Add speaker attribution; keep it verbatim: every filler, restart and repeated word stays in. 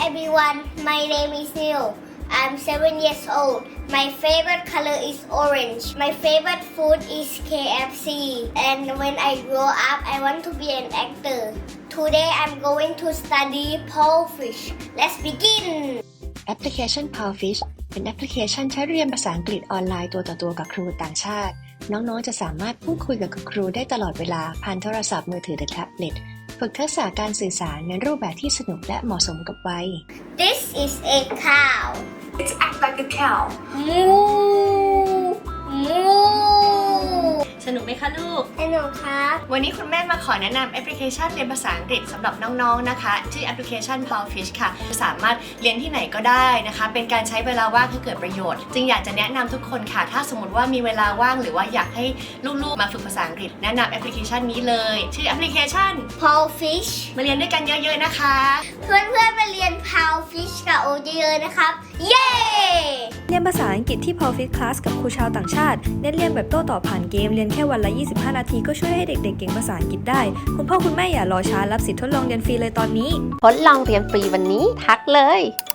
Speaker 1: everyone, my name is Neil. I'm seven years old. My favorite color is orange. My favorite food is K F C. And when I grow up, I want to be an actor. Today I'm going to study pole fish. Let's begin.
Speaker 2: แอปพลิเคชัน Powerfish เป็นแอปพลิเคชันใช้เรียนภาษาอังกฤษออนไลน์ตัวต่อตัวกับครูต่างชาติ น้องๆจะสามารถพูดคุยกับครูได้ตลอดเวลาผ่านโทรศัพท์มือถือหรือแท็บเล็ตฝึกทักษะการสื่อสารในรูปแบบที่สนุกและเหมาะสมกับวัย
Speaker 1: This is a cow.
Speaker 3: It's act like a cow.
Speaker 1: Moo. Moo.
Speaker 2: สนุกไหมคะลูก
Speaker 1: สนุกครับ
Speaker 2: วันนี้คุณแม่มาขอแนะนำแอปพลิเคชันเรียนภาษาอังกฤษสำหรับน้องๆนะคะชื่อแอปพลิเคชัน Powerfish ค่ะสามารถเรียนที่ไหนก็ได้นะคะเป็นการใช้เวลาว่างให้เกิดประโยชน์จึงอยากจะแนะนำทุกคนค่ะถ้าสมมติว่ามีเวลาว่างหรือว่าอยากให้ลูกๆมาฝึกภาษาอังกฤษแนะนำแอปพลิเคชันนี้เลยชื่อแอปพลิเคชัน
Speaker 1: Pole fish
Speaker 2: มาเรียนด้วยกันเยอะๆนะคะ
Speaker 1: เพื่อนๆมาเรียน Pole fish กับโอเยอะๆนะครับ เย้
Speaker 4: เรียนภาษาอังกฤษที่ Powerfish Class กับครูชาวต่างชาติเน้นเรียนแบบโต้ตอบผ่านเกมเรียนแค่วันละยี่สิบห้านาทีก็ช่วยให้เด็กๆเก่งภาษาอังกฤษได้คุณพ่อคุณแม่อย่ารอช้ารับสิทธิ์ทดลองเรียนฟรีเลยตอนนี้
Speaker 5: ทดลองเรียนฟรีวันนี้ทักเลย